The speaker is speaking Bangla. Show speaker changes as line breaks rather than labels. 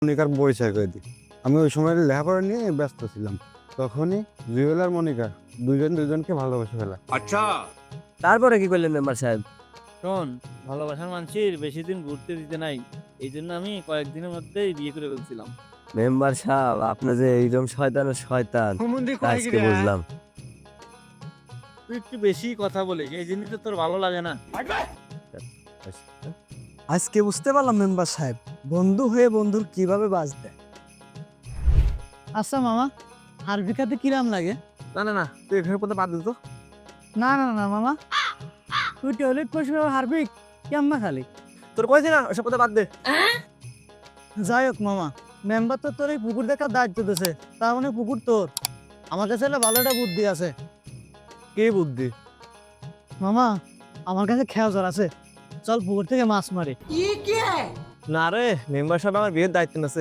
মনিকার পরিচয় করে দিই। আমি ওই সময় লেখাপড়া নিয়ে ব্যস্ত ছিলাম, তখনই জুয়েল আর মনিকা দুজনকে ভালোবেসে ফেলা।
তারপরে কি করলেন মেম্বার সাহেব?
শোন, ভালোবাসার মানুষের বেশি দিন ঘুরতে দিতে নাই, এই জন্য আমি কয়েকদিনের মধ্যেই বিয়ে করে ফেলছিলাম।
মেম্বার সাহেব, আপনি যে এইরকম শয়তানের শয়তান আজকে বুঝলাম।
তুই একটু বেশি কথা বলিস, এই জিনিসটা তোর ভালো লাগে না।
আজকে বুঝতে পারলাম মেম্বার সাহেব, বন্ধু হয়ে বন্ধুর কিভাবে বাঁচতে। আচ্ছা মামা, হারবিকাতে কিরাম লাগে?
না না না, তুই এখানে পর্যন্ত বাদ দিত।
না না না মামা, তুই টয়লেট পরিষ্কার হারবিক কেমন খালি?
তোর কইছি না ওসব কথা বাদ দে।
যাই হোক মামা, মেম্বার তো তোর এই পুকুর দেখার দায়িত্ব দিয়েছে, তার মানে পুকুর তোর। আমার কাছে একটা ভালো একটা বুদ্ধি আছে।
কি বুদ্ধি?
মামা, আমার কাছে খেয়াজর আছে, চল পুকুর থেকে মাছ মারি।
না রে, মেম্বার সাহেব আমার বিয়ের দায়িত্ব আছে।